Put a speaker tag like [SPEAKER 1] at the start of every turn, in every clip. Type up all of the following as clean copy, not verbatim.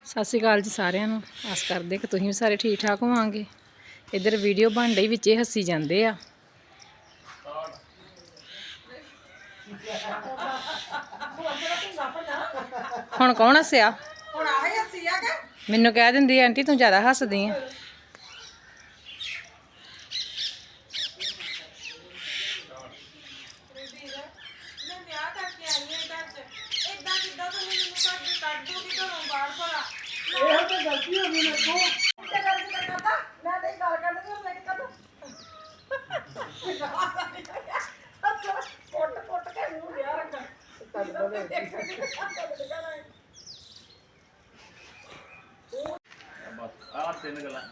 [SPEAKER 1] ਸਤਿ ਸ਼੍ਰੀ ਅਕਾਲ ਜੀ ਸਾਰਿਆਂ ਨੂੰ। ਆਸ ਕਰਦੇ ਕਿ ਤੁਸੀਂ ਵੀ ਸਾਰੇ ਠੀਕ ਠਾਕ ਹੋਵਾਂਗੇ। ਇੱਧਰ ਵੀਡੀਓ ਬਣ ਰਹੀ, ਵਿੱਚੇ ਹੱਸੀ ਜਾਂਦੇ ਆ। ਹੁਣ ਕੌਣ ਹੱਸਿਆ? ਮੈਨੂੰ ਕਹਿ ਦਿੰਦੀ ਆਂਟੀ ਤੂੰ ਜ਼ਿਆਦਾ ਹੱਸਦੀ ਆ।
[SPEAKER 2] गलती हो गई मेरे को मैं नहीं गल कर दी मैं कदों कोट कोट के मुंह लिया रखा
[SPEAKER 3] बस आ तीन गल्लां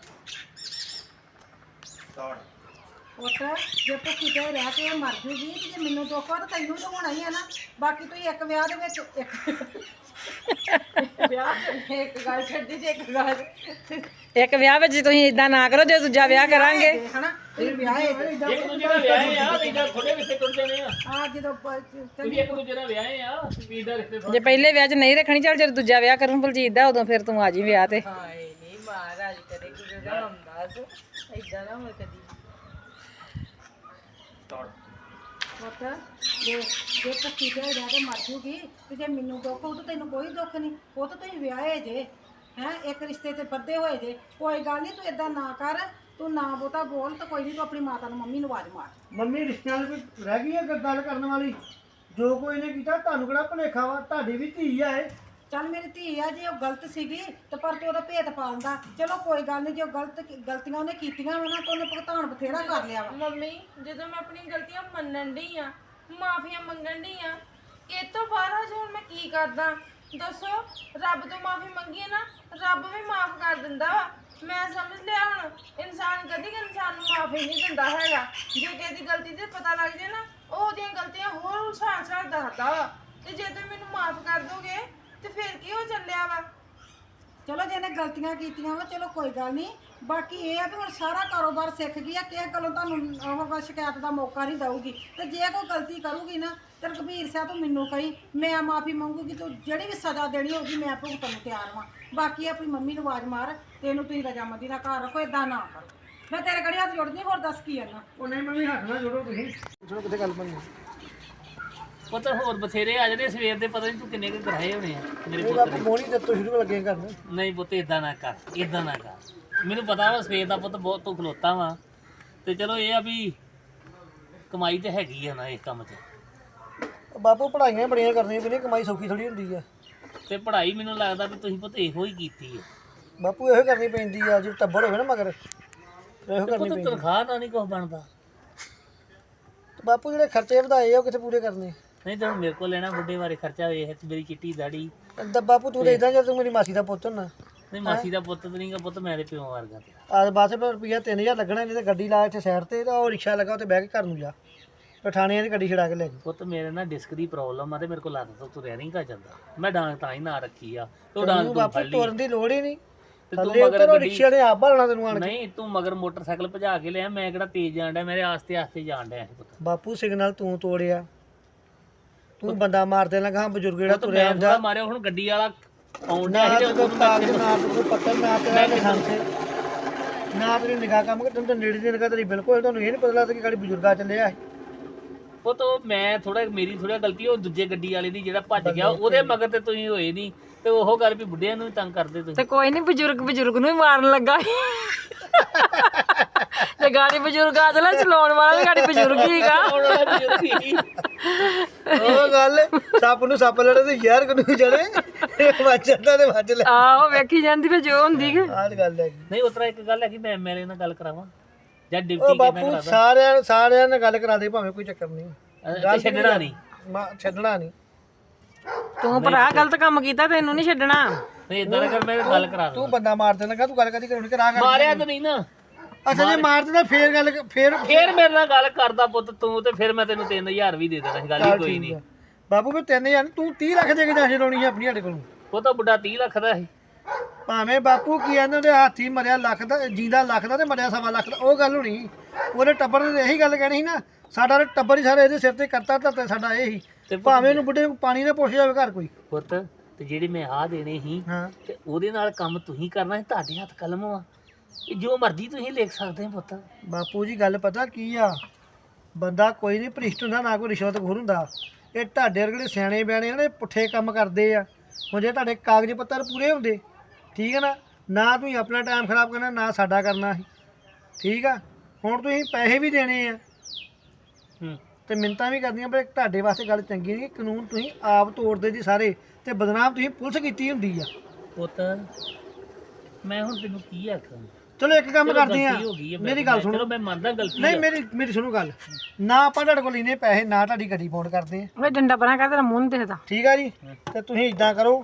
[SPEAKER 3] स्टार्ट
[SPEAKER 2] ਪੁੱਤ ਜੇ ਤੂੰ ਕਿਤੇ ਰਹਿ ਕੇ ਮਰ ਜੂਗੀ ਤੇ ਜੇ ਮੈਨੂੰ ਦੁੱਖ ਆ ਤਾਂ ਤੈਨੂੰ ਤਾਂ ਹੋਣਾ ਹੀ ਹੈ ਨਾ। ਬਾਕੀ ਤੂੰ ਇੱਕ ਵਿਆਹ ਦੇ ਵਿੱਚ ਇੱਕ ਗੱਲ ਛੱਡੀ ਤੇ ਇੱਕ ਗੱਲ
[SPEAKER 1] ਇੱਕ ਵਿਆਹ ਵਿੱਚ ਤੁਸੀਂ ਇਦਾਂ ਨਾ ਕਰੋ, ਜੇ ਦੂਜਾ ਵਿਆਹ ਕਰਾਂਗੇ
[SPEAKER 2] ਹਨਾ ਇਹ ਵਿਆਹ ਹੈ
[SPEAKER 3] ਇੱਕ ਦੂਜੇ ਨਾਲ ਵਿਆਹੇ ਆ ਇਦਾਂ ਥੋੜੇ ਰਿਸ਼ਤੇ ਟੁੱਟ ਜਾਣੇ ਆ।
[SPEAKER 2] ਆ ਜਦੋਂ
[SPEAKER 3] ਤੁਸੀਂ ਇੱਕ ਦੂਜੇ ਨਾਲ ਵਿਆਹੇ ਆ ਵੀਰ ਦਾ ਰਿਸ਼ਤੇ
[SPEAKER 1] ਜੇ ਪਹਿਲੇ ਵਿਆਹ 'ਚ ਨਹੀਂ ਰੱਖਣੀ, ਚੱਲ ਜਦੋਂ ਦੂਜਾ ਵਿਆਹ ਕਰੂੰ ਬਲਜੀਤ ਦਾ, ਉਦੋਂ ਫਿਰ ਤੂੰ ਆ ਜੀ ਵਿਆਹ ਤੇ।
[SPEAKER 2] ਹਾਏ ਨਹੀਂ ਮਹਾਰਾਜ ਕਰੇ ਗੁਰੂ ਰਾਮਦਾਸ ਇਦਾਂ ਨਾ ਹੋਵੇ ਕਦੀ।
[SPEAKER 3] ਸਟਾਰਟ
[SPEAKER 2] ਪੁੱਤ ਜੇ ਭੁੱਖੀ ਤੇ ਰਹਿ ਕੇ ਮਰ ਜੂਗੀ ਤੇ ਜੇ ਮੈਨੂੰ ਦੁੱਖ ਹੋਊ ਤਾਂ ਤੈਨੂੰ ਕੋਈ ਦੁੱਖ ਨਹੀਂ। ਉਹ ਤਾਂ ਤੁਸੀਂ ਵਿਆਹੇ ਜੇ ਹੈਂ, ਇੱਕ ਰਿਸ਼ਤੇ ਤੇ ਬੱਧੇ ਹੋਏ ਜੇ। ਕੋਈ ਗੱਲ ਨਹੀਂ, ਤੂੰ ਇਦਾਂ ਨਾ ਕਰ, ਤੂੰ ਨਾ ਬਹੁਤਾ ਬੋਲ ਤਾਂ ਕੋਈ ਨਹੀਂ, ਤੂੰ ਆਪਣੀ ਮਾਤਾ ਨੂੰ ਮੰਮੀ ਨੂੰ ਆਵਾਜ਼ ਮਾਰ।
[SPEAKER 4] ਮੰਮੀ ਰਿਸ਼ਤਿਆਂ ਦੀ ਕੋਈ ਰਹਿ ਗਈ ਹੈ ਗੱਲ ਕਰਨ ਵਾਲੀ? ਜੋ ਕੋਈ ਨੇ ਕੀਤਾ ਤੁਹਾਨੂੰ ਕਿਹੜਾ ਭੁਲੇਖਾ ਵਾ? ਤੁਹਾਡੀ ਵੀ ਧੀ ਆ ਇਹ।
[SPEAKER 2] ਚੱਲ ਮੇਰੀ ਧੀ ਆ, ਜੇ ਉਹ ਗਲਤ ਸੀਗੀ ਤੇ ਪਰ ਤੂੰ ਉਹਦਾ ਭੇਤ ਪਾਉਂਦਾ। ਚਲੋ ਕੋਈ ਗੱਲ ਨਹੀਂ, ਜੇ ਉਹ ਗਲਤੀਆਂ ਉਹਨੇ ਕੀਤੀਆਂ ਵਾ ਨਾ ਤਾਂ ਉਹਨੇ ਭੁਗਤਾਨ ਬਥੇਰਾ ਕਰ ਲਿਆ ਵਾ।
[SPEAKER 5] ਮੰਮੀ ਜਦੋਂ ਮੈਂ ਆਪਣੀ ਗਲਤੀਆਂ ਮੰਨਣ ਡਈ ਆ, ਮਾਫੀਆਂ ਮੰਗਣ ਡਈ ਆ, ਇਹ ਤੋਂ ਬਾਅਦ ਹਜੇ ਹੁਣ ਮੈਂ ਕੀ ਕਰਦਾ ਦੱਸੋ? ਰੱਬ ਤੋਂ ਮਾਫੀ ਮੰਗੀਏ ਨਾ, ਰੱਬ ਵੀ ਮਾਫ ਕਰ ਦਿੰਦਾ ਵਾ। ਮੈਂ ਸਮਝ ਲਿਆ ਹੁਣ ਇਨਸਾਨ ਕਦੀ ਇਨਸਾਨ ਨੂੰ ਮਾਫੀ ਨਹੀਂ ਦਿੰਦਾ ਹੈਗਾ। ਜੇ ਕਿਸੇ ਦੀ ਗਲਤੀ ਤੇ ਪਤਾ ਲੱਗ ਜੇ ਨਾ, ਉਹ ਉਹਦੀਆਂ ਗਲਤੀਆਂ ਹੋਰ ਉਛਾਲ ਦੱਸਦਾ ਵਾ। ਤੇ ਜੇ ਤੁਸੀਂ ਮੈਨੂੰ ਮਾਫ ਕਰ ਦੋਗੇ ਤੇ ਫਿਰ ਕੀ ਹੋ ਚੱਲਿਆ ਵਾ?
[SPEAKER 2] ਚਲੋ ਜੇ ਇਹਨੇ ਗਲਤੀਆਂ ਕੀਤੀਆਂ ਵਾ ਚਲੋ ਕੋਈ ਗੱਲ ਨਹੀਂ। ਬਾਕੀ ਇਹ ਆ ਵੀ ਹੁਣ ਸਾਰਾ ਕਾਰੋਬਾਰ ਸਿੱਖ ਗਈ ਆ, ਕਿਸੇ ਗੱਲੋਂ ਤੁਹਾਨੂੰ ਉਹ ਸ਼ਿਕਾਇਤ ਦਾ ਮੌਕਾ ਨਹੀਂ ਦਊਗੀ। ਤੇ ਜੇ ਕੋਈ ਗਲਤੀ ਕਰੂਗੀ ਨਾ ਤੇ ਰਘਬੀਰ ਸਿੰਘ ਤੂੰ ਮੈਨੂੰ ਕਹੀ, ਮੈਂ ਮਾਫੀ ਮੰਗੂਗੀ। ਤੂੰ ਜਿਹੜੀ ਵੀ ਸਜ਼ਾ ਦੇਣੀ ਹੋਊਗੀ ਮੈਂ ਭੁਗਤਣ ਨੂੰ ਤਿਆਰ ਹਾਂ। ਬਾਕੀ ਆਪਣੀ ਮੰਮੀ ਨੂੰ ਆਵਾਜ਼ ਮਾਰ ਤੇ ਇਹਨੂੰ ਤੁਸੀਂ ਰਜਾਮੰਦੀ ਨਾਲ ਘਰ ਰੱਖੋ, ਇਦਾਂ ਨਾ ਕਰੋ। ਮੈਂ ਤੇਰੇ ਘੜੀ ਹੱਥ ਜੋੜਦੀ, ਹੋਰ ਦੱਸ ਕੀ ਕਰਨਾ।
[SPEAKER 4] ਉਹ ਨਹੀਂ ਮੰਮੀ ਹੱਥ ਨਾ ਜੋੜੋ ਤੁਸੀਂ। ਚਲੋ ਕਿੱਥੇ ਗੱਲ ਬਣੀ?
[SPEAKER 3] ਪੁੱਤ ਹੋਰ ਬਥੇਰੇ ਆ ਜਿਹੜੇ ਸਵੇਰ ਦੇ ਪਤਾ ਨਹੀਂ ਤੂੰ ਕਿੰਨੇ ਕੁ ਕਰਾਏ ਹੋਣੇ ਆ ਮੇਰੇ
[SPEAKER 4] ਇਹ
[SPEAKER 3] ਪੁੱਤ
[SPEAKER 4] ਬਾਪੂ
[SPEAKER 3] ਨੇ।
[SPEAKER 4] ਮੋਣੀ ਜਦ ਤੋਂ ਸ਼ੁਰੂ ਲੱਗੇ ਕਰਨ।
[SPEAKER 3] ਨਹੀਂ ਪੁੱਤ ਇਦਾਂ ਨਾ ਕਰ, ਇਦਾਂ ਨਾ ਕਰ। ਮੈਨੂੰ ਪਤਾ ਵਾ ਸਵੇਰ ਦਾ ਪੁੱਤ ਬਹੁਤ ਤੂੰ ਖਲੋਤਾ ਵਾ, ਤੇ ਚਲੋ ਇਹ ਆ ਵੀ ਕਮਾਈ ਤੇ ਹੈਗੀ ਆ ਨਾ ਇਸ ਕੰਮ 'ਚ।
[SPEAKER 4] ਬਾਪੂ ਪੜ੍ਹਾਈਆਂ ਬੜੀਆਂ ਕਰਨੀਆਂ ਪੈਂਦੀਆਂ, ਕਮਾਈ ਸੌਖੀ ਥੋੜੀ ਹੁੰਦੀ ਆ।
[SPEAKER 3] ਤੇ ਪੜ੍ਹਾਈ ਮੈਨੂੰ ਲੱਗਦਾ ਵੀ ਤੁਸੀਂ ਪੁੱਤ ਇਹੋ ਹੀ ਕੀਤੀ ਹੈ।
[SPEAKER 4] ਬਾਪੂ ਇਹੋ ਕਰਨੀ ਪੈਂਦੀ ਆ, ਜੇ ਟੱਬਰ ਹੋਵੇ ਨਾ ਮਗਰ ਇਹੋ ਕਰਨੀ
[SPEAKER 3] ਪੁੱਤ
[SPEAKER 4] ਪੈਂਦੀ।
[SPEAKER 3] ਤਨਖਾਹ ਨਾਲ ਨਹੀਂ ਕੁਝ ਬਣਦਾ।
[SPEAKER 4] ਬਾਪੂ ਜਿਹੜੇ ਖਰਚੇ ਵਧਾਏ ਆ ਉਹ ਕਿੱਥੇ ਪੂਰੇ ਕਰਨੇ?
[SPEAKER 3] ਨਹੀਂ ਤਾਂ ਹੁਣ ਮੇਰੇ ਕੋਲ ਲੈਣਾ ਬੁੱਢੇ ਬਾਰੇ ਖਰਚਾ ਵੇਖ, ਮੇਰੀ ਚਿੱਟੀ ਦਾੜੀ।
[SPEAKER 4] ਤਾਂ ਬਾਪੂ ਤੂੰ ਤਾਂ ਇਦਾਂ, ਜੇ ਤੂੰ ਮੇਰੀ ਮਾਸੀ ਦਾ ਪੁੱਤ ਨਾ।
[SPEAKER 3] ਨਹੀਂ ਮਾਸੀ ਦਾ ਪੁੱਤ ਤੇ ਨਹੀਂਗਾ ਪੁੱਤ, ਮੈਂ ਤੇ ਪਿਓ ਵਰਗਾ ਤੇਰਾ।
[SPEAKER 4] ਆ ਬਸ ਫਿਰ ਰੁਪਈਆ 3000 ਲੱਗਣਾ, ਨਹੀਂ ਤੇ ਗੱਡੀ ਲਾ ਇੱਥੇ ਸਾਈਡ ਤੇ, ਤਾਂ ਉਹ ਰਿਕਸ਼ਾ ਲੱਗਾ ਉੱਤੇ ਬਹਿ ਕੇ ਘਰ ਨੂੰ ਜਾ, ਪਠਾਣੀਆਂ ਦੀ ਗੱਡੀ ਛੜਾ ਕੇ ਲੈ ਜੀ।
[SPEAKER 3] ਪੁੱਤ ਮੇਰੇ ਨਾਲ ਡਿਸਕ ਦੀ ਪ੍ਰੋਬਲਮ ਆ ਤੇ ਮੇਰੇ ਕੋਲ ਲੱਤ ਤੋਂ ਤੁਰਿਆ ਨਹੀਂ ਗਾ ਜਾਂਦਾ। ਮੈਂ ਡਾਂਗ ਤਾਂ ਹੀ ਨਾ ਰੱਖੀ ਆ, ਤੇ ਉਹ ਡਾਂਗ ਤੂੰ
[SPEAKER 4] ਬਾਪੂ
[SPEAKER 3] ਫੜ ਲਈ
[SPEAKER 4] ਤੁਰਨ ਦੀ ਲੋੜ ਹੀ ਨਹੀਂ।
[SPEAKER 3] ਤੇ ਤੂੰ
[SPEAKER 4] ਥੱਲੇ
[SPEAKER 3] ਮਗਰ
[SPEAKER 4] ਉੱਤਰ
[SPEAKER 3] ਗੱਡੀ
[SPEAKER 4] ਰਿਕਸ਼ੇ ਨੇ ਆਪ ਭਾਲਣਾ ਤੈਨੂੰ ਆਣ ਕੇ।
[SPEAKER 3] ਨਹੀਂ, ਤੂੰ ਮਗਰ ਮੋਟਰਸਾਈਕਲ ਭਜਾ ਕੇ ਲਿਆ। ਮੈਂ ਕਿਹੜਾ ਤੇਜ਼ ਜਾਣ ਡਿਆ, ਮੇਰੇ ਆਸਤੇ ਆਸਤੇ ਜਾਣ ਡਿਆ ਸੀ ਪੁੱਤ।
[SPEAKER 4] ਬਾਪੂ ਸਿਗਨਲ ਤੂੰ ਤੋੜਿਆ, ਤੂੰ ਬੰਦਾ ਮਾਰ ਦੇਣਾ। ਕਹਾਂ ਬਜ਼ੁਰਗ ਜਿਹੜਾ
[SPEAKER 3] ਪੁੱਤ
[SPEAKER 4] ਤੁਰਿਆ
[SPEAKER 3] ਮੈਂ
[SPEAKER 4] ਹੁੰਦਾ
[SPEAKER 3] ਥੋੜਾ ਮਾਰਿਆ, ਹੁਣ ਗੱਡੀ ਵਾਲਾ ਆਉਣ
[SPEAKER 4] ਨਾ
[SPEAKER 3] ਡਿਆ ਸੀ
[SPEAKER 4] ਤੇ
[SPEAKER 3] ਤੇ
[SPEAKER 4] ਕੋਈ
[SPEAKER 3] ਉਹਨੂੰ
[SPEAKER 4] ਕਾਗਜ਼
[SPEAKER 3] ਮੈਂ
[SPEAKER 4] ਨਾ ਤੇ ਕੋਈ ਪੱਤਰ ਨਾ ਤੇਰਾ ਲਾਇਸੈਂਸ ਨਾ ਤੇਰੀ ਨਿਗਾਹ ਕੰਮ ਕਰ, ਤੈਨੂੰ ਤਾਂ ਨੇੜੇ ਦੀ ਨਿਗਾਹ ਤੇਰੀ ਬਿਲਕੁਲ। ਤੁਹਾਨੂੰ ਇਹ ਨਹੀਂ ਪਤਾ ਲੱਗਦਾ ਕਿ ਗਾੜੀ ਬਜ਼ੁਰਗਾ ਚੱਲਿਆ ਹੈ।
[SPEAKER 3] ਪੁੱਤ ਉਹ ਮੈਂ ਥੋੜਾ ਮੇਰੀ ਥੋੜਾ ਗਲਤੀ, ਉਹ ਦੂਜੇ ਗੱਡੀ ਵਾਲੇ ਦੀ ਜਿਹੜਾ ਭੱਜ ਗਿਆ ਉਹਦੇ ਮਗਰ ਤੇ ਤੁਸੀਂ ਹੋਏ ਨਹੀਂ। ਤੇ ਉਹ ਗੱਲ ਵੀ ਬੁੱਢਿਆਂ ਨੂੰ ਵੀ ਤੰਗ ਕਰਦੇ ਤੁਸੀਂ।
[SPEAKER 1] ਤੇ ਕੋਈ ਨਹੀਂ, ਬਜ਼ੁਰਗ ਨੂੰ ਹੀ ਮਾਰਨ ਲੱਗਾ ਤੇ ਗਾੜੀ ਬਜ਼ੁਰਗ ਆ ਚਲਾ, ਚਲਾਉਣ ਵਾਲਾ ਵੀ ਗਾੜੀ ਬਜ਼ੁਰਗ ਹੀਗਾ।
[SPEAKER 4] ਉਹ ਗੱਲ ਸੱਪ ਨੂੰ ਸੱਪ ਲੜੇ ਤੇ ਯਾਰ ਕਨੂੰ ਚੜੇ, ਵੱਜ ਜਾਂਦਾ ਤੇ ਵੱਜ ਲੈ।
[SPEAKER 1] ਆਹੋ ਵੇਖੀ ਜਾਂਦੀ ਵੀ ਜੋ ਹੁੰਦੀ ਕਿ
[SPEAKER 4] ਆਹ ਗੱਲ ਹੈ।
[SPEAKER 3] ਨਹੀਂ ਉਤਰਾ ਇੱਕ ਗੱਲ ਹੈ ਕਿ ਮੈਂ ਐਮਐਲਏ ਨਾਲ ਗੱਲ ਕਰਾਵਾਂ ਜਾਂ
[SPEAKER 4] ਉਹ
[SPEAKER 3] ਡਿਪਟੀ ਕਿਹਨਾਂ
[SPEAKER 4] ਬਾਪੂ
[SPEAKER 3] ਕਰਾਦਾ?
[SPEAKER 4] ਸਾਰਿਆਂ ਨਾਲ ਗੱਲ ਕਰਾ ਦੇ, ਭਾਵੇਂ ਕੋਈ ਚੱਕਰ ਨਹੀਂ।
[SPEAKER 3] ਤੇ ਛੱਡਣਾ ਨਹੀਂ।
[SPEAKER 4] ਛੱਡਣਾ ਨਹੀਂ।
[SPEAKER 1] ਤੂੰ ਭਰਾ ਗਲਤ ਕੰਮ ਕੀਤਾ, ਤੈਨੂੰ ਨਹੀਂ ਛੱਡਣਾ।
[SPEAKER 3] ਨਹੀਂ ਇਦਾਂ ਕਰ, ਮੈਂ ਗੱਲ ਕਰਾ
[SPEAKER 4] ਤੂੰ
[SPEAKER 3] ਦੂੰ।
[SPEAKER 4] ਬੰਦਾ ਮਾਰ ਦੇਣ ਲੱਗਾ, ਤੂੰ ਗੱਲ ਕਦੀ ਕਰਾਉਣੀ ਕਰਾ ਕਰ।
[SPEAKER 3] ਮਾਰਿਆ ਤਾਂ ਨਹੀਂ ਨਾ।
[SPEAKER 4] ਅੱਛਾ ਜੇ ਮਾਰ ਦਿੰਦਾ ਫੇਰ ਗੱਲ ਫੇਰ
[SPEAKER 3] ਫੇਰ ਮੇਰੇ ਨਾਲ ਗੱਲ ਕਰਦਾ ਪੁੱਤ ਤੂੰ, ਤੇ ਫਿਰ ਮੈਂ ਤੈਨੂੰ 3000 ਵੀ ਦੇ ਦੇਣਾ ਸੀ। ਗੱਲ ਹੀ ਕੋਈ ਨਹੀਂ।
[SPEAKER 4] ਬਾਪੂ ਵੀ 3000 ਤੂੰ 30 ਲੱਖ ਦੇ ਕੇ ਜਾ ਛਡਾਉਣੀ ਹੈ ਆਪਣੀ ਸਾਡੇ ਕੋਲੋਂ।
[SPEAKER 3] ਉਹ ਤਾਂ ਬੁੱਢਾ 30 ਲੱਖ ਦਾ ਸੀ।
[SPEAKER 4] ਭਾਵੇਂ ਬਾਪੂ ਕੀ ਕਹਿੰਦੇ ਉਹਦੇ ਹਾਥੀ ਮਰਿਆ ਲੱਖ ਦਾ, ਜਿੰਦਾ ਲੱਖ ਦਾ ਤੇ ਮਰਿਆ 1.25 ਲੱਖ ਦਾ, ਉਹ ਗੱਲ ਹੋਣੀ। ਉਹਦੇ ਟੱਬਰ ਨੇ ਇਹੀ ਗੱਲ ਕਹਿਣੀ ਸੀ ਨਾ, ਸਾਡਾ ਟੱਬਰ ਹੀ ਸਾਰਾ ਇਹਦੇ ਸਿਰ ਤੇ ਕਰਤਾ, ਤਾਂ ਸਾਡਾ ਇਹ ਹੀ। ਭਾਵੇਂ ਉਹਨੂੰ ਬੁੱਢੇ ਨੂੰ ਪਾਣੀ ਨਾ ਪੁੱਛ ਜਾਵੇ ਘਰ ਕੋਈ।
[SPEAKER 3] ਪੁੱਤ ਤੇ ਜਿਹੜੇ ਮੈਂ ਆ ਦੇਣੇ ਸੀ
[SPEAKER 4] ਹਾਂ
[SPEAKER 3] ਤੇ ਉਹਦੇ ਨਾਲ ਕੰਮ ਤੁਸੀਂ ਕਰਨਾ ਸੀ, ਤੁਹਾਡੇ ਹੱਥ ਕਲਮ ਵਾ, ਇਹ ਜੋ ਮਰਜ਼ੀ ਤੁਸੀਂ ਲਿਖ ਸਕਦੇ ਹੋ ਪੁੱਤ।
[SPEAKER 4] ਬਾਪੂ ਜੀ ਗੱਲ ਪਤਾ ਕੀ ਆ, ਬੰਦਾ ਕੋਈ ਨਹੀਂ ਭ੍ਰਿਸ਼ਟ ਹੁੰਦਾ, ਨਾ ਕੋਈ ਰਿਸ਼ਵਤਖੋਰ ਹੁੰਦਾ। ਇਹ ਤੁਹਾਡੇ ਵਰਗੇ ਸਿਆਣੇ ਬਿਆਣੇ ਨੇ ਪੁੱਠੇ ਕੰਮ ਕਰਦੇ ਆ। ਹੁਣ ਜੇ ਤੁਹਾਡੇ ਕਾਗਜ਼ ਪੱਤਰ ਪੂਰੇ ਹੁੰਦੇ, ਠੀਕ ਹੈ ਨਾ ਤੁਸੀਂ ਆਪਣਾ ਟਾਈਮ ਖਰਾਬ ਕਰਨਾ, ਨਾ ਸਾਡਾ ਕਰਨਾ ਸੀ, ਠੀਕ ਆ। ਹੁਣ ਤੁਸੀਂ ਪੈਸੇ ਵੀ ਦੇਣੇ ਆ ਤੇ ਮਿੰਨਤਾਂ ਵੀ ਕਰਦੀਆਂ, ਪਰ ਤੁਹਾਡੇ ਵਾਸਤੇ ਗੱਲ ਚੰਗੀ ਨਹੀਂ। ਕਾਨੂੰਨ ਤੁਸੀਂ ਆਪ ਤੋੜਦੇ ਜੀ ਸਾਰੇ, ਤੇ ਬਦਨਾਮ ਤੁਸੀਂ ਪੁਲਿਸ ਕੀਤੀ ਹੁੰਦੀ ਆ।
[SPEAKER 3] ਪੁੱਤ ਮੈਂ ਹੁਣ ਤੈਨੂੰ ਕੀ ਆਖਾਂ,
[SPEAKER 4] ਚਲੋ ਇੱਕ ਕੰਮ ਕਰਦੇ ਆ,
[SPEAKER 3] ਗਲਤੀ ਹੋ ਗਈ ਹੈ,
[SPEAKER 4] ਮੇਰੀ ਗੱਲ ਸੁਣੋ।
[SPEAKER 3] ਚਲੋ ਮੈਂ ਮੰਨਦਾ ਗਲਤੀ
[SPEAKER 4] ਨਹੀਂ
[SPEAKER 3] ਆ।
[SPEAKER 4] ਮੇਰੀ ਸੁਣੋ ਗੱਲ, ਨਾ ਆਪਾਂ ਤੁਹਾਡੇ ਕੋਲ ਲੈਨੇ ਪੈਸੇ, ਨਾ ਤੁਹਾਡੀ ਗੱਡੀ ਪਾਉਣ ਕਰਦੇ ਆ,
[SPEAKER 1] ਵੇ ਡੰਡਾ ਬਣਾ ਕਰ, ਤੇਰਾ ਮੂੰਹ ਨਹੀਂ ਦਿਖਦਾ।
[SPEAKER 4] ਠੀਕ ਆ ਜੀ। ਤੇ ਤੁਸੀਂ ਇਦਾਂ ਕਰੋ,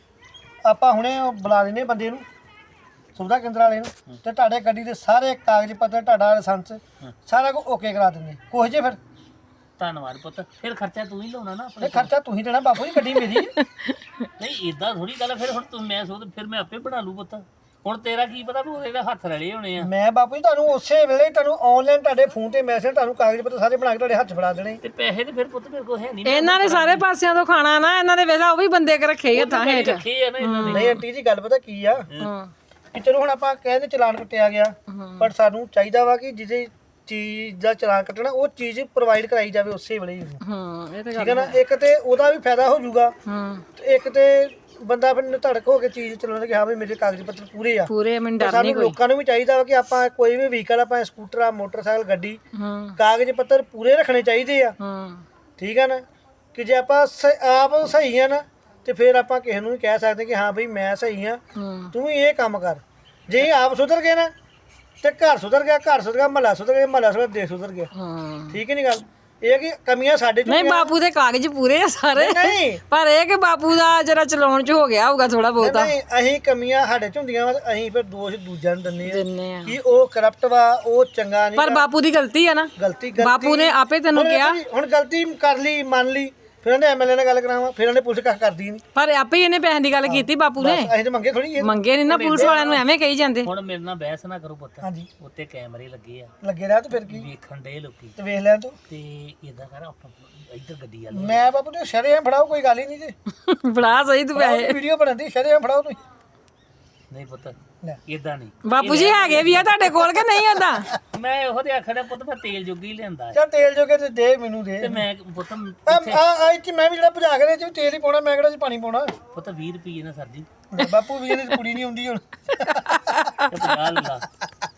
[SPEAKER 4] ਆਪਾਂ ਹੁਣੇ ਉਹ ਬੁਲਾ ਲੈਨੇ ਬੰਦੇ ਨੂੰ, ਸੁਵਿਧਾ ਕੇਂਦਰ ਵਾਲੇ ਨੂੰ, ਤੇ ਤੁਹਾਡੇ ਗੱਡੀ ਦੇ ਸਾਰੇ ਕਾਗਜ਼ ਪੱਤਰ, ਤੁਹਾਡਾ ਲਾਇਸੈਂਸ ਸਾਰਾ ਕੁਝ ਓਕੇ ਕਰਾ ਦਿੰਦੇ। ਕੁਛ ਜੇ ਫਿਰ
[SPEAKER 3] ਧੰਨਵਾਦ ਪੁੱਤ, ਫਿਰ ਖਰਚਾ ਤੂੰ ਹੀ ਲਾਉਣਾ ਨਾ
[SPEAKER 4] ਇਹ
[SPEAKER 3] ਆਪਣੇ।
[SPEAKER 4] ਖਰਚਾ ਤੁਸੀਂ ਦੇਣਾ ਬਾਪੂ ਜੀ, ਗੱਡੀ ਮੇਰੀ ਹੈ।
[SPEAKER 3] ਨਹੀਂ ਇਦਾਂ ਥੋੜੀ ਗੱਲ ਆ, ਫਿਰ ਹੁਣ ਤੂੰ ਮੈਂ ਸੋਚ ਫਿਰ ਮੈਂ ਆਪੇ ਬਣਾ ਲੂ ਪੁੱਤ। ਹੁਣ ਤੇਰਾ ਕੀ ਪਤਾ ਵੀ ਉਹਦੇ ਜਿਹੜਾ ਹੱਥ ਰਲੇ ਹੋਣੇ ਆ।
[SPEAKER 4] ਮੈਂ ਬਾਪੂ ਜੀ ਤੁਹਾਨੂੰ ਉਸੇ ਵੇਲੇ ਤੁਹਾਨੂੰ ਆਨਲਾਈਨ ਤੁਹਾਡੇ ਫੋਨ ਤੇ ਮੈਸੇਜ, ਤੁਹਾਨੂੰ ਕਾਗਜ਼ ਪੱਤਰ ਸਾਰੇ ਬਣਾ ਕੇ ਤੁਹਾਡੇ ਹੱਥ ਫੜਾ ਦੇਣੇ।
[SPEAKER 3] ਤੇ ਪੈਸੇ ਤੇ ਫਿਰ ਪੁੱਤ ਮੇਰੇ ਕੋਲ ਹੈ ਨਹੀਂ,
[SPEAKER 1] ਇਹਨਾਂ ਨੇ ਸਾਰੇ ਪਾਸਿਆਂ ਤੋਂ ਖਾਣਾ ਨਾ, ਇਹਨਾਂ ਦੇ ਵੇਲਾ ਉਹ ਵੀ ਬੰਦੇ ਕੇ ਰੱਖੇ ਆ ਤਾਂ ਹੇਠ।
[SPEAKER 3] ਰੱਖੇ ਆ ਨਾ ਇਹਨਾਂ ਨੇ।
[SPEAKER 4] ਨਹੀਂ ਆਂਟੀ ਜੀ ਗੱਲ ਪਤਾ ਕੀ ਆ,
[SPEAKER 1] ਹਾਂ
[SPEAKER 4] ਕਿ ਚਲੋ ਹੁਣ ਆਪਾਂ ਕਹਿੰਦੇ ਚਲਾਨ ਕੱਟਿਆ ਗਿਆ, ਪਰ ਸਾਨੂੰ ਚਾਹੀਦਾ ਵਾ ਕਿ ਜਿਹਦੇ ਚੀਜ਼ ਦਾ ਚਲਾਨ ਕੱਟਣਾ ਉਹ ਚੀਜ਼ ਪ੍ਰੋਵਾਈਡ ਕਰਾਈ ਜਾਵੇ ਉਸੇ ਵੇਲੇ ਹੀ ਉਹਨੂੰ।
[SPEAKER 1] ਹਾਂ ਇਹ ਤਾਂ
[SPEAKER 4] ਠੀਕ ਹੈ ਨਾ, ਇੱਕ ਤੇ ਉਹਦਾ ਵੀ ਫਾਇਦਾ ਹੋ ਜਾਊਗਾ,
[SPEAKER 1] ਹਾਂ
[SPEAKER 4] ਤੇ ਇੱਕ ਤੇ ਬੰਦਾ ਫਿਰ ਨਿਧੜਕ ਹੋ ਕੇ ਚੀਜ਼ ਚਲਾਉਂਦਾ ਕਿ ਹਾਂ ਵੀ ਮੇਰੇ ਕਾਗਜ਼ ਪੱਤਰ ਪੂਰੇ ਆ।
[SPEAKER 1] ਪੂਰੇ ਮੈਨੂੰ
[SPEAKER 4] ਤੇ
[SPEAKER 1] ਡਰ ਨਹੀਂ
[SPEAKER 4] ਸਾਨੂੰ ਲੋਕਾਂ ਨੂੰ ਵੀ ਚਾਹੀਦਾ ਵਾ ਕਿ ਆਪਾਂ ਕੋਈ ਵੀ ਵਹੀਕਲ, ਆਪਾਂ ਸਕੂਟਰ ਆ, ਮੋਟਰਸਾਈਕਲ, ਗੱਡੀ,
[SPEAKER 1] ਹਾਂ
[SPEAKER 4] ਕਾਗਜ਼ ਪੱਤਰ ਪੂਰੇ ਰੱਖਣੇ ਚਾਹੀਦੇ ਆ।
[SPEAKER 1] ਹਾਂ
[SPEAKER 4] ਠੀਕ ਹੈ ਨਾ, ਕਿ ਜੇ ਆਪਾਂ ਆਪ ਸਹੀ ਆ ਨਾ, ਤੇ ਫਿਰ ਆਪਾਂ ਕਿਸੇ ਨੂੰ ਵੀ ਕਹਿ ਸਕਦੇ ਕਿ ਹਾਂ ਬਈ ਮੈਂ ਸਹੀ ਆ,
[SPEAKER 1] ਹਾਂ
[SPEAKER 4] ਤੂੰ ਵੀ ਇਹ ਕੰਮ ਕਰ। ਜੇ ਆਪ ਸੁਧਰ ਗਏ ਨਾ, ਤੇ ਘਰ ਸੁਧਰ ਗਿਆ, ਘਰ ਸੁਧਰ ਗਿਆ, ਮਹੱਲਾ ਸੁਧਰ ਗਿਆ, ਮਹੱਲਾ ਸੁਧਰ, ਦੇਸ਼ ਸੁਧਰ ਗਿਆ।
[SPEAKER 1] ਹਾਂ
[SPEAKER 4] ਠੀਕ ਹੈ ਨੀ ਗੱਲ, ਇਹ ਕਿ ਕਮੀਆਂ ਸਾਡੇ ਚ
[SPEAKER 1] ਨਹੀਂ ਬਾਪੂ ਦੇ ਕਾਗਜ਼ ਪੂਰੇ ਆ ਸਾਰੇ,
[SPEAKER 4] ਨਹੀਂ
[SPEAKER 1] ਪਰ ਇਹ ਕਿ ਬਾਪੂ ਦਾ ਜਰਾ ਚਲਾਉਣ ਚ ਹੋ ਗਿਆ ਹੋਊਗਾ ਥੋੜਾ ਬਹੁਤਾ।
[SPEAKER 4] ਨਹੀਂ, ਅਸੀਂ ਕਮੀਆਂ ਸਾਡੇ ਚ ਹੁੰਦੀਆਂ ਵਾ, ਅਸੀਂ ਫਿਰ ਦੋਸ਼ ਦੂਜਿਆਂ ਨੂੰ ਦਿੰਦੇ ਆ
[SPEAKER 1] ਦਿੰਨੇ ਆ,
[SPEAKER 4] ਕਿ ਉਹ ਕਰਪਟ ਵਾ, ਉਹ ਚੰਗਾ ਨਹੀਂ।
[SPEAKER 1] ਪਰ ਬਾਪੂ ਦੀ ਗਲਤੀ ਆ ਨਾ,
[SPEAKER 4] ਗਲਤੀ
[SPEAKER 1] ਬਾਪੂ ਨੇ ਆਪੇ ਤੈਨੂੰ
[SPEAKER 4] ਹੁਣ
[SPEAKER 1] ਕਿਹਾ।
[SPEAKER 4] ਹੁਣ ਗਲਤੀ ਕਰ ਲਈ, ਮੰਨ ਲਈ, ਫਿਰ ਉਹਨੇ ਐਮਐਲਏ ਨਾਲ ਗੱਲ ਕਰਾਵਾਂ, ਫਿਰ ਉਹਨੇ ਪੁਲਿਸ ਕੱਖ ਕਰਦੀ ਨਹੀਂ।
[SPEAKER 1] ਪਰ ਆਪੇ ਹੀ ਇਹਨੇ ਪੈਸਿਆਂ ਦੀ ਗੱਲ ਕੀਤੀ ਬਾਪੂ ਨੇ,
[SPEAKER 4] ਅਸੀਂ ਤਾਂ ਮੰਗੇ ਥੋੜੀ
[SPEAKER 1] ਮੰਗੇ ਨਹੀਂ ਨਾ ਪੁਲਿਸ ਵਾਲਿਆਂ ਨੂੰ ਐਵੇਂ ਕਹੀ ਜਾਂਦੇ।
[SPEAKER 3] ਹੁਣ ਮੇਰੇ ਨਾਲ ਬਹਿਸ ਨਾ ਕਰੋ ਪੁੱਤ,
[SPEAKER 4] ਹਾਂਜੀ
[SPEAKER 3] ਉੱਤੇ ਕੈਮਰੇ ਲੱਗੇ ਆ,
[SPEAKER 4] ਲੱਗੇ ਰਿਹਾ ਤੇ ਫਿਰ ਕੀ,
[SPEAKER 3] ਵੇਖਣ ਦੇ ਲੋਕੀ।
[SPEAKER 4] ਤੇ ਵੇਖ ਲਿਆ ਤੂੰ।
[SPEAKER 3] ਤੇ ਇਦਾਂ ਕਰ ਆਪਾਂ ਇੱਧਰ ਗੱਡੀ ਵਾਲ
[SPEAKER 4] ਮੈਂ ਬਾਪੂ ਤੇ ਸ਼ਰੇਆਮ ਫੜਾਓ, ਕੋਈ ਗੱਲ ਹੀ ਨਹੀਂ ਜੀ।
[SPEAKER 1] ਬੜਾ ਸਹੀ ਤੂੰ ਪੈਸੇ।
[SPEAKER 4] ਵੀਡੀਓ ਬਣਾਉਂਦੀ ਸ਼ਰੇਆਮ ਫੜਾਓ ਤੁਸੀਂ।
[SPEAKER 3] ਨਹੀਂ ਪੁੱਤ
[SPEAKER 4] ਲੈ
[SPEAKER 3] ਇਦਾਂ ਨਹੀਂ,
[SPEAKER 1] ਬਾਪੂ ਜੀ ਹੈਗੇ ਵੀ ਆ ਤੁਹਾਡੇ ਕੋਲ ਕਿ ਨਹੀਂ ਓਦਾਂ?
[SPEAKER 3] ਮੈਂ ਉਹਦੇ ਆਖਣਾ ਪੁੱਤ ਮੈਂ ਤੇਲ ਜੋਗੀ ਲਿਆਂਦਾ ਹੈ।
[SPEAKER 4] ਚੱਲ ਤੇਲ ਜੋਗੇ ਤੇ ਦੇ ਮੈਨੂੰ ਦੇ।
[SPEAKER 3] ਤੇ ਮੈਂ ਪੁੱਤ
[SPEAKER 4] ਆ ਇੱਥੇ ਮੈਂ ਵੀ ਜਿਹੜਾ ਭਜਾ ਕੇ ਦੇ ਚ ਤੇਲ ਹੀ ਪਾਉਣਾ, ਮੈਂ ਕਿਹੜਾ ਚ ਪਾਣੀ ਪਾਉਣਾ।
[SPEAKER 3] ਪੁੱਤ 20 ਰੁਪਏ ਨਾ ਸਰ ਜੀ,
[SPEAKER 4] ਬਾਪੂ ਵੀ ਇਹਦੀ ਕੁੜੀ ਨਹੀਂ ਹੁੰਦੀ ਹੁਣ।
[SPEAKER 3] ਤੇ 50 ਲੈ ਲਾ,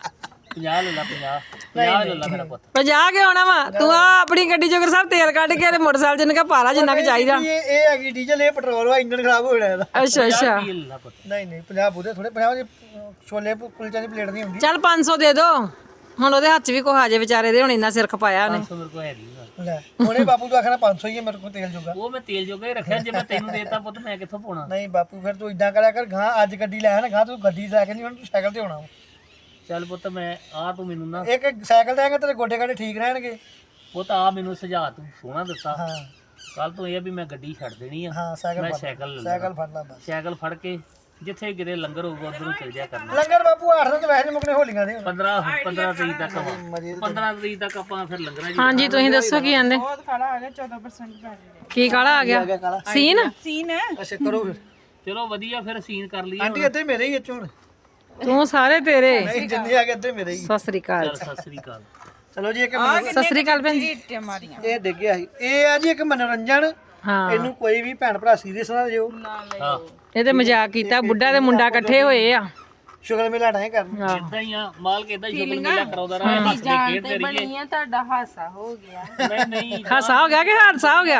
[SPEAKER 3] 50 ਲੈ ਲਾ, 50 ਲੈ ਲਾ ਮੇਰਾ ਪੁੱਤ।
[SPEAKER 1] 50 ਕੇ ਆਉਣਾ ਵਾ ਤੂੰ ਆ ਆਪਣੀ ਗੱਡੀ ਚੋਂ ਸਾਹਿਬ ਤੇਲ ਕੱਢ ਕੇ ਤੇ ਮੋਟਰਸਾਈਕਲ ਜਿੰਨਾ ਕਾ ਪਾਲਾ ਜਿੰਨਾ ਕੁ ਚਾਹੀਦਾ।
[SPEAKER 4] ਇਹ ਹੈਗੀ ਡੀਜ਼ਲ, ਇਹ ਪੈਟਰੋਲ ਵਾ, ਇੰਜਨ ਖਰਾਬ ਹੋ ਜਾਣਾ ਇਹਦਾ।
[SPEAKER 1] ਅੱਛਾ ਅੱਛਾ
[SPEAKER 3] 50 ਲੈ ਲਾ ਪੁੱਤ।
[SPEAKER 4] ਨਹੀਂ 50 ਬੁੱਧੇ ਥੋੜੇ, 50 ਦੇ ਛੋਲੇ ਕੁਲਚੇ ਦੀ ਪਲੇਟ ਨਹੀਂ ਹੁੰਦੀ।
[SPEAKER 1] ਚੱਲ 500 ਦੇ ਦੋ, ਹੁਣ ਉਹਦੇ ਹੱਥ 'ਚ ਵੀ ਕੁਛ ਆ ਜੇ ਵਿਚਾਰੇ ਦੇ, ਹੁਣ ਇੰਨਾ ਸਿਰ ਖਪਾਇਆ ਉਹਨੇ।
[SPEAKER 3] 500 ਮੇਰੇ ਕੋਲ ਹੈ ਨਹੀਂ ਗਾ।
[SPEAKER 4] ਲੈ ਹੁਣੇ ਬਾਪੂ ਤੋਂ ਆਖਣਾ 500 ਹੀ ਹੈ ਮੇਰੇ ਕੋਲ ਤੇਲ ਜੋਗਾ।
[SPEAKER 3] ਉਹ ਮੈਂ ਤੇਲ ਜੋਗਾ ਹੀ ਰੱਖਿਆ, ਜੇ ਮੈਂ ਤੈਨੂੰ ਦੇਤਾ ਪੁੱਤ ਮੈਂ ਕਿੱਥੋਂ ਪਾਉਣਾ।
[SPEAKER 4] ਨਹੀਂ ਬਾਪੂ ਫਿਰ ਤੂੰ ਇਦਾਂ ਕਰਿਆ ਕਰ, ਗਾਂ ਅੱਜ ਗੱਡੀ ਲੈ ਆਣਾ, ਗਾਂ ਤੂੰ ਗੱਡੀ ਲੈ ਕੇ ਨਹੀਂ, ਹੁਣ ਤੂੰ ਸਾਈਕਲ ਤੇ ਆਉਣਾ ਵਾ।
[SPEAKER 3] ਚੱਲ ਪੁੱਤ ਮੈਂ ਆ ਤੂੰ ਮੈਨੂੰ ਨਾ
[SPEAKER 4] ਇੱਕ ਸਾਈਕਲ ਤੇ ਆਏਗਾ ਤੇਰੇ ਗੋਡੇ ਗਾਡੇ ਠੀਕ ਰਹਿਣਗੇ।
[SPEAKER 3] ਪੁੱਤ ਆ ਮੈਨੂੰ ਸੁਝਾਅ ਤੂੰ ਸੋਹਣਾ ਦਿੱਤਾ।
[SPEAKER 4] ਹਾਂ
[SPEAKER 3] ਕੱਲ ਤੋਂ ਇਹ ਵੀ ਮੈਂ ਗੱਡੀ ਛੱਡ ਦੇਣੀ ਆ,
[SPEAKER 4] ਹਾਂ ਸਾਈਕਲ
[SPEAKER 3] ਮੈਂ
[SPEAKER 4] ਫੜ,
[SPEAKER 3] ਸਾਈਕਲ ਲੈ
[SPEAKER 4] ਸਾਈਕਲ ਫੜ ਲਾ ਬਸ।
[SPEAKER 3] ਸਾਈਕਲ ਫੜ ਕੇ ਜਿੱਥੇ ਕਿਤੇ ਲੰਗਰ ਹੋਊਗਾ ਉਧਰੋਂ ਚਲ ਜਾ ਕਰਨਾ।
[SPEAKER 4] ਲੰਗਰ ਬਾਪੂ 8 ਦਿਨ ਤੇ ਵੈਸੇ ਨੀ ਮੁੱਕਣੇ ਹੋਲੀਆਂ ਦੇ।
[SPEAKER 3] 15 ਤਰੀਕ ਤੱਕ ਵਾ। 15 ਤਰੀਕ ਤੱਕ ਆਪਾਂ ਫਿਰ ਲੰਗਰਾਂ ਜੀ।
[SPEAKER 1] ਹਾਂਜੀ ਤੁਸੀਂ ਦੱਸੋ ਕੀ ਆਂਦੇ?
[SPEAKER 5] ਬਹੁਤ ਕਾਲਾ ਆ ਗਿਆ 14% ਪੈਸੇ
[SPEAKER 1] ਕੀ ਕਾਲਾ ਆ ਗਿਆ? ਸੀਨ
[SPEAKER 5] ਸੀਨ ਹੈ।
[SPEAKER 4] ਅੱਛਾ ਕਰੋ ਫਿਰ।
[SPEAKER 3] ਚਲੋ ਵਧੀਆ ਫਿਰ ਸੀਨ ਕਰ ਲਈਏ।
[SPEAKER 4] ਆਂਟੀ ਇੱਥੇ ਮੇਰੇ ਹੀ ਇੱਥੇ ਹੁਣ
[SPEAKER 1] ਤੂੰ ਸਾਰੇ ਤੇਰੇ।
[SPEAKER 4] ਨਹੀਂ ਜਿੰਨੇ ਆ ਗਏ ਇੱਥੇ ਮੇਰੇ ਹੀ।
[SPEAKER 1] ਸਤਿ ਸ੍ਰੀ ਅਕਾਲ।
[SPEAKER 3] ਚੱਲ ਸਤਿ ਸ੍ਰੀ ਅਕਾਲ।
[SPEAKER 4] ਚਲੋ ਜੀ ਇੱਕ
[SPEAKER 1] ਸਤਿ ਸ੍ਰੀ ਅਕਾਲ ਭੈਣ ਜੀ।
[SPEAKER 5] ਮਾਰੀਆਂ
[SPEAKER 4] ਇਹ ਡਿੱਗਿਆ ਸੀ, ਇਹ ਆ ਜੀ ਇੱਕ ਮਨੋਰੰਜਨ।
[SPEAKER 1] ਹਾਂ
[SPEAKER 4] ਇਹਨੂੰ ਕੋਈ ਵੀ ਭੈਣ ਭਰਾ ਸੀਰੀਅਸ ਨਾ ਲਿਓ।
[SPEAKER 3] ਹਾਂ
[SPEAKER 1] ਇਹ ਤੇ ਮਜ਼ਾਕ ਕੀਤਾ, ਬੁੱਢਾ ਤੇ ਮੁੰਡਾ ਇਕੱਠੇ ਹੋਏ ਆ।
[SPEAKER 4] ਸ਼ੁਗਰ ਮੇਲਾ ਨਹੀਂ ਕਰਨਾ।
[SPEAKER 3] ਇਦਾਂ ਹੀ ਆ, ਮਾਲਕ ਇਦਾਂ ਹੀ ਸ਼ੁਗਰ ਮੇਲਾ ਕਰਾਉਂਦਾ ਰਹਾ, ਹੱਸਦੇ ਖੇਡਦੇ ਰਹੀਏ।
[SPEAKER 5] ਬਣੀਆਂ ਤੁਹਾਡਾ ਹਾਸਾ ਹੋ ਗਿਆ।
[SPEAKER 3] ਨਹੀਂ
[SPEAKER 1] ਹਾਸਾ ਹੋ ਗਿਆ ਕਿ ਹਾਦਸਾ ਹੋ ਗਿਆ?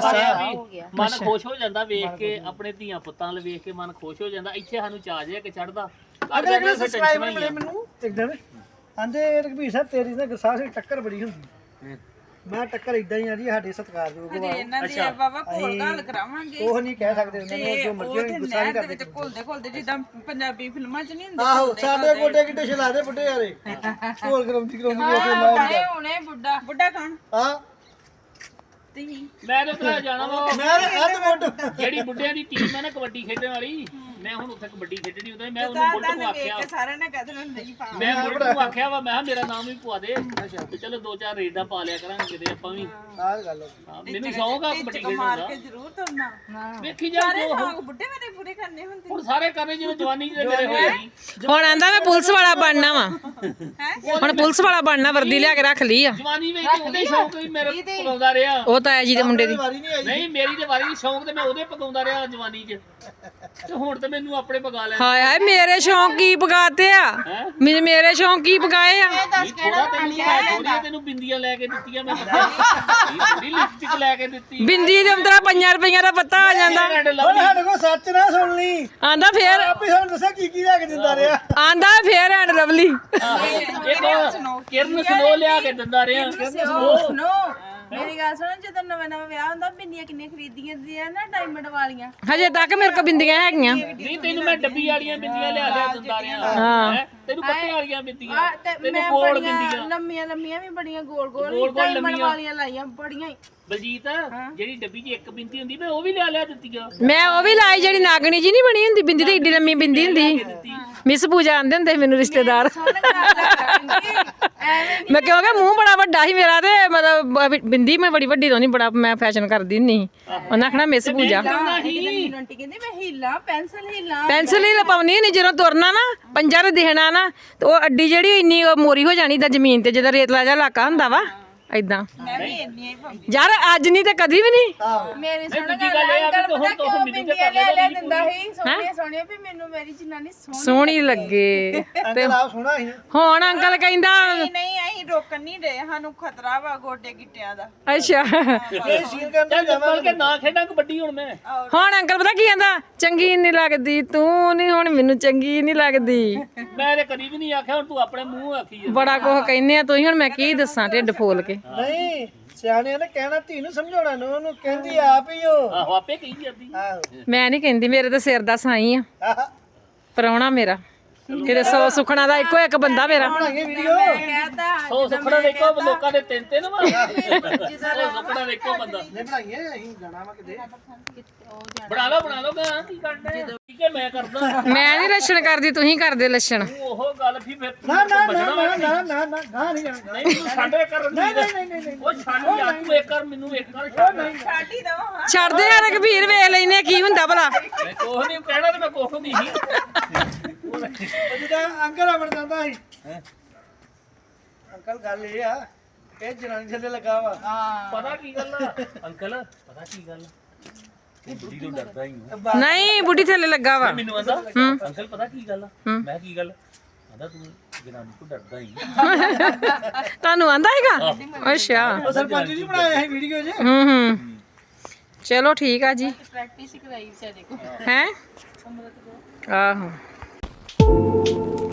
[SPEAKER 3] ਮਨ ਖੁਸ਼ ਹੋ ਜਾਂਦਾ ਵੇਖ ਕੇ, ਆਪਣੇ ਧੀਆਂ ਪੁੱਤਾਂ ਵੱਲ ਵੇਖ ਕੇ ਮਨ ਖੁਸ਼ ਹੋ ਜਾਂਦਾ। ਇੱਥੇ ਸਾਨੂੰ ਚਾਹ ਜਿਹਾ ਕਿ ਚੜਦਾ।
[SPEAKER 4] ਅਗਲੇ ਅਗਲੇ ਸਬਸਕ੍ਰਾਈਬਰ ਮਿਲੇ ਮੈਨੂੰ ਇੱਕ ਦਿਨ, ਆਂਦੇ ਰਘਬੀਰ ਸਾਹਿਬ ਤੇਰੀ ਨਾ ਗਰਸਾਹ ਦੀ ਟੱਕਰ ਬੜੀ ਹੁੰਦੀ। ਮੈਂ ਟੱਕਰ ਇਦਾਂ ਹੀ ਆ ਜੀ, ਸਾਡੇ ਸਤਿਕਾਰਯੋਗ ਵਾ।
[SPEAKER 5] ਇਹਨਾਂ ਦੇ ਬਾਬਾ ਭੋਲ ਗੱਲ ਕਰਾਵਾਂਗੇ।
[SPEAKER 4] ਉਹ ਨਹੀਂ ਕਹਿ ਸਕਦੇ ਉਹਨਾਂ ਨੂੰ, ਜੋ ਮਰਜ਼ੀ ਹੋਣੀ ਗੁੱਸਾ ਨਹੀਂ ਕਰਦੇ।
[SPEAKER 5] ਵਿੱਚ ਘੁਲਦੇ ਘੁਲਦੇ ਜਿੱਦਾਂ ਪੰਜਾਬੀ ਫਿਲਮਾਂ 'ਚ ਨਹੀਂ ਹੁੰਦੇ।
[SPEAKER 4] ਆਹੋ ਸਾਡੇ ਗੋਡੇ ਕਿੱਡੇ ਛਲਾਦੇ ਬੁੱਢੇ ਯਾਰੇ, ਢੋਲ ਕਰਾਉਂਦੀ
[SPEAKER 5] ਹਾਏ ਹੁਣੇ ਬੁੱਢਾ ਬੁੱਢਾ ਕੌਣ?
[SPEAKER 4] ਹਾਂ
[SPEAKER 5] ਤੁਸੀਂ
[SPEAKER 3] ਮੈਂ ਤਾਂ ਉੱਥੇ ਜਾਣਾ ਵਾ।
[SPEAKER 4] ਮੈਂ ਅੱਧ ਮੋਢ
[SPEAKER 3] ਜਿਹੜੀ ਬੁੱਢਿਆਂ ਦੀ ਟੀਮ ਹੈ ਨਾ ਕਬੱਡੀ ਖੇਡਣ ਵਾਲੀ, ਮੈਂ ਹੁਣ ਉੱਥੇ ਕਬੱਡੀ ਖੇਡਣੀ ਉਹਦੇ ਮੈਂ ਉਹਨੂੰ ਬੁੱਲਟ ਨੂੰ ਆਖਿਆ
[SPEAKER 5] ਸਾਰਿਆਂ ਨੇ ਕਹਿ ਦੇਣਾ ਨਹੀਂ ਪਾ
[SPEAKER 3] ਮੈਂ ਬੁੱਲਟ ਨੂੰ ਆਖਿਆ ਵਾ ਮੈਂ ਕਿਹਾ ਮੇਰਾ ਨਾਮ ਵੀ ਪਵਾ ਦੇ ਤੇ ਚਲੋ 2-4 ਰੇਡਾਂ ਪਾ ਲਿਆ ਕਰਾਂਗੇ ਕਿਤੇ ਆਪਾਂ ਵੀ
[SPEAKER 4] ਆਹ ਗੱਲ ਹੋ
[SPEAKER 3] ਹਾਂ, ਮੈਨੂੰ ਸ਼ੌਂਕ ਆ ਕਬੱਡੀ ਖੇਡਣ ਦਾ
[SPEAKER 5] ਜ਼ਰੂਰ ਤੁਰਨਾ
[SPEAKER 3] ਵੇਖੀ ਜਾ ਜੋ
[SPEAKER 5] ਸ਼ੌਂਕ ਬੁੱਢੇ ਮੇਰੇ ਪੂਰੇ ਕਰਨੇ ਹੁੰਦੇ
[SPEAKER 3] ਹੁਣ ਸਾਰੇ ਕਰਨੇ ਜਿਵੇਂ ਜਵਾਨੀ ਜਿਹਦੇ ਮੇਰੇ ਹੋਏ ਸੀ
[SPEAKER 1] ਹੁਣ ਆਂਦਾ ਮੈਂ ਪੁਲਿਸ ਵਾਲਾ ਬਣਨਾ ਵਾ ਹੁਣ ਪੁਲਿਸ ਵਾਲਾ ਬਣਨਾ ਵਰਦੀ ਲਿਆ ਕੇ ਰੱਖ ਲਈ ਆ
[SPEAKER 3] ਜਵਾਨੀ ਵਿੱਚ ਉਹਦੇ ਸ਼ੌਂਕ ਵੀ ਮੇਰੇ ਪਗਾਉਂਦਾ ਰਿਹਾ
[SPEAKER 1] ਉਹ ਤਾਂ ਆਇਆ ਜੀ ਦੇ ਮੁੰਡੇ ਦੀ
[SPEAKER 4] ਵਾਰੀ ਨਹੀਂ ਆਈ
[SPEAKER 3] ਨਹੀਂ ਮੇਰੀ ਤੇ ਵਾਰੀ ਸ਼ੌਂਕ ਤੇ ਮੈਂ ਉਹਦੇ ਪਗਾਉਂਦਾ ਰਿਹਾ ਜਵਾਨੀ 'ਚ ਤੇ ਹੁਣ ਤੇ ਮੈਨੂੰ ਆਪਣੇ ਪਗਾ ਲੈ
[SPEAKER 1] ਹਾਏ ਹਾਏ ਮੇਰੇ ਸ਼ੌਂਕ ਕੀ ਪਗਾਤੇ ਆ ਮੇਰੇ ਸ਼ੌਂਕ ਕੀ ਪਗਾਏ ਆ
[SPEAKER 3] ਥੋੜਾ ਤੈਨੂੰ ਮੈਂ ਥੋੜੀਆਂ ਤੈਨੂੰ ਬਿੰਦੀਆਂ ਲੈ ਕੇ ਦਿੱਤੀਆਂ ਮੈਂ ਥੋੜੀ ਲਿਪਸਟਿਕ ਲੈ ਕੇ ਦਿੱਤੀ
[SPEAKER 1] ਬਿੰਦੀ ਦੇ ਅੰਦਰ 5 ਰੁਪਈਆਂ ਦਾ ਪੱਤਾ ਆ ਜਾਂਦਾ
[SPEAKER 3] ਰੈਡ
[SPEAKER 4] ਹੁਣ
[SPEAKER 3] ਲਵਲੀ
[SPEAKER 4] ਸਾਡੇ ਕੋਲ ਸੱਚ ਨਾ ਸੁਣ ਲਈ
[SPEAKER 1] ਆਂਦਾ ਫੇਰ
[SPEAKER 4] ਆਪੇ ਸਾਨੂੰ ਦੱਸਿਆ ਕੀ ਲੈ ਕੇ ਦਿੰਦਾ ਰਿਹਾ
[SPEAKER 1] ਆਂਦਾ ਫੇਰ ਐਂਡ ਲਵਲੀ
[SPEAKER 3] ਇੱਕ ਕਿਰਨ ਸਨੋ ਲਿਆ ਕੇ ਦਿੰਦਾ ਰਿਹਾ
[SPEAKER 5] ਸੁਣੋ ਮੇਰੀ ਗੱਲ ਸੁਣੋ ਜਦੋਂ ਨਵਾਂ ਨਵਾਂ ਵਿਆਹ ਹੁੰਦਾ ਬਿੰਦੀਆਂ ਕਿੰਨੇ ਖਰੀਦੀਆਂ ਦੀਆਂ ਨਾ ਡਾਇਮੰਡ ਵਾਲੀਆਂ
[SPEAKER 1] ਹਜੇ ਤੱਕ ਮੇਰੇ ਕੋਲ ਬਿੰਦੀਆਂ ਹੈਗੀਆਂ
[SPEAKER 3] ਨਹੀਂ ਤੈਨੂੰ ਮੈਂ ਡੱਬੀ ਵਾਲੀਆਂ ਬਿੰਦੀਆਂ ਲਿਆ ਦਿੰਦਾ ਰਿਹਾ ਹੈਂ? ਤੈਨੂੰ ਪੱਤੇ ਵਾਲੀਆਂ ਬਿੰਦੀਆਂ
[SPEAKER 5] ਤੇ
[SPEAKER 3] ਤੈਨੂੰ
[SPEAKER 5] ਮੈਂ
[SPEAKER 3] ਗੋਲ
[SPEAKER 5] ਬੜੀਆਂ
[SPEAKER 3] ਬਿੰਦੀਆਂ
[SPEAKER 5] ਲੰਮੀਆਂ ਲੰਮੀਆਂ ਵੀ ਬੜੀਆਂ ਗੋਲ
[SPEAKER 3] ਗੋਲ
[SPEAKER 5] ਗੋਲ ਡਾਇਮੰਡ
[SPEAKER 3] ਲੰਮੀਆਂ।
[SPEAKER 5] ਵਾਲੀਆਂ ਲਾਈਆਂ ਬੜੀਆਂ ਹੀ।
[SPEAKER 3] ਬਲਜੀਤ ਜਿਹੜੀ ਡੱਬੀ 'ਚ ਇੱਕ ਬਿੰਦੀ ਹੁੰਦੀ ਮੈਂ ਉਹ ਵੀ ਲਿਆ ਦਿੱਤੀਆਂ
[SPEAKER 1] ਮੈਂ ਉਹ ਵੀ ਲਾਈ ਜਿਹੜੀ ਨਾਗਣੀ ਜੀ ਨਹੀਂ ਬਣੀ ਹੁੰਦੀ ਬਿੰਦੀ ਤੇ ਏਡੀ ਲੰਮੀ ਬਿੰਦੀ ਹੁੰਦੀ ਮਿਸ ਪੂਜਾ ਆਂਦੇ ਹੁੰਦੇ ਸੀ ਮੈਨੂੰ ਰਿਸ਼ਤੇਦਾਰ ਮੈਂ ਕਿਉਂਕਿ ਮੂੰਹ ਬੜਾ ਵੱਡਾ ਸੀ ਮੇਰਾ ਤੇ ਮਤਲਬ ਬਿੰਦੀ ਮੈਂ ਬੜੀ ਵੱਡੀ ਤੋਂ ਨਹੀਂ ਬੜਾ ਮੈਂ ਫੈਸ਼ਨ ਕਰਦੀ ਨਹੀਂ ਉਹਨਾਂ ਆਖਣਾ ਮਿਸ ਪੂਜਾ
[SPEAKER 5] ਮੈਨੂੰ ਆਂਟੀ ਕਹਿੰਦੀ ਮੈਂ ਹੀਲਾ ਪੈਨਸਲ ਹੀਲਾ
[SPEAKER 1] ਪੈਨਸਲ ਹੀ ਲਪਾਉਣੀ ਨਹੀਂ ਜਦੋਂ ਤੁਰਨਾ ਨਾ ਪੰਜਾ ਤੇ ਦਿਖਣਾ ਨਾ ਤੇ ਉਹ ਅੱਡੀ ਜਿਹੜੀ ਇੰਨੀ ਉਹ ਮੋਰੀ ਹੋ ਜਾਣੀ ਤਾਂ ਜ਼ਮੀਨ ਤੇ ਜਦੋਂ ਰੇਤਲਾ ਜਿਹਾ ਇਲਾਕਾ ਹੁੰਦਾ ਵਾ ਏਦਾਂ
[SPEAKER 5] ਮੈਂ ਵੀ ਇੰਨੀ ਹੀ ਪਾਉਂਦੀ
[SPEAKER 1] ਯਾਰ ਅੱਜ ਨਹੀਂ ਤੇ ਕਦੀ ਵੀ ਨਹੀਂ
[SPEAKER 5] ਮੇਰੀ ਸੁਣ
[SPEAKER 3] ਦੂਜੀ ਗੱਲ ਇਹ ਆ ਵੀ
[SPEAKER 5] ਅੰਕਲ ਪਤਾ
[SPEAKER 3] ਤੂੰ
[SPEAKER 5] ਕਿਉਂ
[SPEAKER 3] ਮੈਨੂੰ
[SPEAKER 5] ਬਿੰਦੀਆਂ
[SPEAKER 3] ਤੇ
[SPEAKER 5] ਲੈ ਦਿੰਦਾ ਸੀ ਸੋਹਣੀਆਂ ਸੋਹਣੀਆਂ ਵੀ ਮੈਨੂੰ ਮੇਰੀ ਜਨਾਨੀ
[SPEAKER 1] ਸੋਹਣੀ ਲੱਗੇ
[SPEAKER 4] ਅੰਕਲ ਆਪ ਸੋਹਣਾ ਸੀ
[SPEAKER 1] ਹੁਣ ਅੰਕਲ ਕਹਿੰਦਾ
[SPEAKER 5] ਨਹੀਂ ਅਸੀਂ ਰੋਕਣ ਨਹੀਂ ਰਹੇ ਸਾਨੂੰ ਖਤਰਾ ਵਾ ਗੋਡੇ ਗਿੱਟਿਆਂ ਦਾ
[SPEAKER 1] ਅੱਛਾ
[SPEAKER 4] ਇਹ ਸੀਨ ਕਰਨ
[SPEAKER 3] ਚੱਲ ਚੱਲ ਕੇ ਨਾ ਖੇਡਾਂ ਕਬੱਡੀ ਹੁਣ ਮੈਂ
[SPEAKER 1] ਹੁਣ ਅੰਕਲ ਪਤਾ ਕੀ ਕਹਿੰਦਾ ਚੰਗੀ ਨਹੀਂ ਲੱਗਦੀ ਤੂੰ ਨਹੀਂ ਹੁਣ ਮੈਨੂੰ ਚੰਗੀ ਨਹੀਂ ਲੱਗਦੀ
[SPEAKER 3] ਮੈਂ ਤੇ ਕਦੀ ਵੀ ਨਹੀਂ ਆਖਿਆ ਹੁਣ ਤੂੰ ਆਪਣੇ ਮੂੰਹ ਆਖੀ ਜਾ
[SPEAKER 1] ਬੜਾ ਕੁਝ ਕਹਿੰਦੇ ਆ ਤੁਸੀਂ ਹੁਣ ਮੈਂ ਕੀ ਦੱਸਾਂ ਢਿੱਡ ਫੋਲ ਕੇ
[SPEAKER 4] ਨਹੀਂ ਸਿਆਣਿਆਂ ਨੇ ਕਹਿਣਾ ਧੀ ਨੂੰ ਸਮਝਾਉਣਾ ਨੂੰ ਉਹਨੂੰ ਕਹਿੰਦੀ ਆਪ ਹੀ ਉਹ
[SPEAKER 3] ਆਹੋ ਆਪੇ ਕਹੀ ਜਾਂਦੀ
[SPEAKER 4] ਆਹੋ
[SPEAKER 1] ਮੈਂ ਨਹੀਂ ਕਹਿੰਦੀ ਮੇਰੇ ਤਾਂ ਸਿਰ ਦਾ ਸਾਈ ਆ
[SPEAKER 4] ਆਹ,
[SPEAKER 1] ਪਰਾਉਣਾ ਮੇਰਾ ਕਿਤੇ 100 ਸੁਖਣਾ ਦਾ ਇੱਕੋ ਇੱਕ ਬੰਦਾ ਮੇਰਾ
[SPEAKER 4] ਬਣਾਈਏ ਵੀਡੀਓ
[SPEAKER 5] ਕਹਤਾ
[SPEAKER 3] ਸੋ ਸੁਪਨਾ ਦੇਖੋ ਲੋਕਾਂ ਦੇ ਤਿੰਨ ਵਾ ਸੋ ਸੁਪਨਾ ਦੇਖੋ ਬੰਦਾ
[SPEAKER 4] ਨਹੀਂ ਬਣਾਈਏ ਅਸੀਂ ਜਾਣਾ ਵਾ ਕਿਤੇ
[SPEAKER 3] ਬਣਾ ਲਓ ਗਾ ਕੀ ਕਰਨਾ ਠੀਕ ਹੈ ਮੈਂ ਕਰਦਾ
[SPEAKER 1] ਮੈਂ ਨਹੀਂ ਲੱਛਣ ਕਰਦੀ ਤੁਸੀਂ ਕਰਦੇ ਲੱਛਣ
[SPEAKER 3] ਤੂੰ ਉਹ ਗੱਲ ਫਿਰ
[SPEAKER 4] ਨਾ ਨਾ ਨਾ ਨਾ ਨਾ ਨਾ ਨਾ ਗਾਂ ਨਹੀਂ ਜਾਣਾ
[SPEAKER 3] ਨਹੀਂ ਮੈਨੂੰ ਸਾਡੇ ਕਰਨ ਦੀ
[SPEAKER 4] ਨਹੀਂ
[SPEAKER 3] ਉਹ ਛੱਡ ਯਾਰ ਤੂੰ ਇੱਕ ਕਰ ਮੈਨੂੰ ਇੱਕ ਕਰ ਛੱਡ
[SPEAKER 5] ਛਾਟੀ ਦਵਾ
[SPEAKER 1] ਛੱਡਦੇ ਆ ਰਘਬੀਰ ਵੇਖ ਲੈਨੇ ਕੀ ਹੁੰਦਾ ਭਲਾ
[SPEAKER 3] ਮੈਂ ਕੋਹ ਨਹੀਂ ਕਹਿਣਾ ਤੇ ਮੈਂ ਕੋਹ ਨਹੀਂ ਸੀ
[SPEAKER 4] ਉਹ ਜਿਹੜਾ ਅੰਕਲ ਆਵਣ ਜਾਂਦਾ ਸੀ ਅੰਕਲ ਗੱਲ ਇਹ ਆ ਇਹ ਜਨਾਨੀ ਥੱਲੇ ਲੱਗਾ ਵਾ
[SPEAKER 3] ਪਤਾ ਕੀ ਗੱਲ ਆ ਅੰਕਲ ਪਤਾ ਕੀ ਗੱਲ ਬੁੱਢੀ ਤੋਂ ਡਰਦਾ ਹੀ
[SPEAKER 1] ਨਹੀਂ ਬੁੱਢੀ ਥੱਲੇ ਲੱਗਾ ਵਾ
[SPEAKER 3] ਮੈਨੂੰ ਆਂਦਾ ਅੰਕਲ ਪਤਾ ਕੀ ਗੱਲ ਆ ਮੈਂ ਕੀ ਗੱਲ ਆਂਦਾ ਤੂੰ ਜਨਾਨੀ ਤੋਂ ਡਰਦਾ ਹੀ
[SPEAKER 1] ਤੁਹਾਨੂੰ ਆਂਦਾ ਹੈਗਾ ਅੱਛਾ
[SPEAKER 4] ਉਹ ਸਰਪੰਚ ਜੀ ਬਣਾਇਆ ਸੀ ਵੀਡੀਓ 'ਚ
[SPEAKER 1] ਹੂੰ ਚਲੋ ਠੀਕ ਆ ਜੀ
[SPEAKER 5] ਪ੍ਰੈਕਟਿਸ ਕਰਾਈ ਵਿਚਾਰੇ ਕੋ
[SPEAKER 1] ਹੈ ਆਹੋ